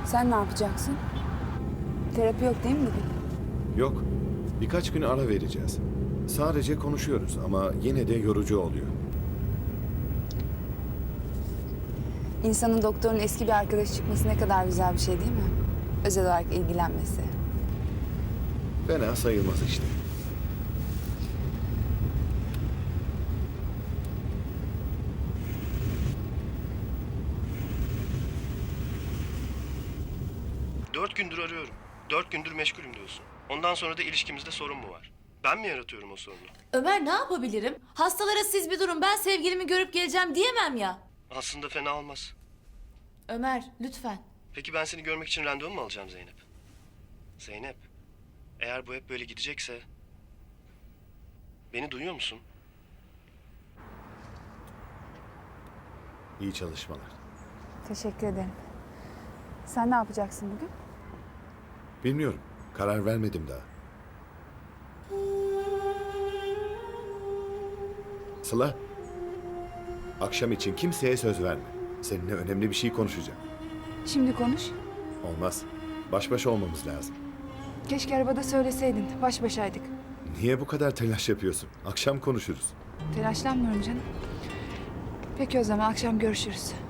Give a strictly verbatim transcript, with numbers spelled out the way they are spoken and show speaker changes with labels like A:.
A: Sen ne yapacaksın? Terapi yok değil mi bugün?
B: Yok. Birkaç gün ara vereceğiz. Sadece konuşuyoruz ama yine de yorucu oluyor.
A: İnsanın doktorun eski bir arkadaşı çıkması ne kadar güzel bir şey değil mi? Özel olarak ilgilenmesi.
B: Fena sayılmaz işte.
C: Dört gündür arıyorum. Dört gündür meşgulüm diyorsun. Ondan sonra da ilişkimizde sorun mu var? Ben mi yaratıyorum o sorunu?
D: Ömer ne yapabilirim? Hastalara siz bir durun, ben sevgilimi görüp geleceğim diyemem ya.
C: Aslında fena olmaz.
D: Ömer lütfen.
C: Peki ben seni görmek için randevu mu alacağım Zeynep? Zeynep, eğer bu hep böyle gidecekse... Beni duyuyor musun?
B: İyi çalışmalar.
A: Teşekkür ederim. Sen ne yapacaksın bugün?
B: Bilmiyorum. Karar vermedim daha. Sıla. Akşam için kimseye söz verme. Seninle önemli bir şey konuşacağım.
A: Şimdi konuş.
B: Olmaz. Baş başa olmamız lazım.
A: Keşke arabada söyleseydin. Baş başaydık.
B: Niye bu kadar telaş yapıyorsun? Akşam konuşuruz.
A: Telaşlanmıyorum canım. Peki o zaman akşam görüşürüz.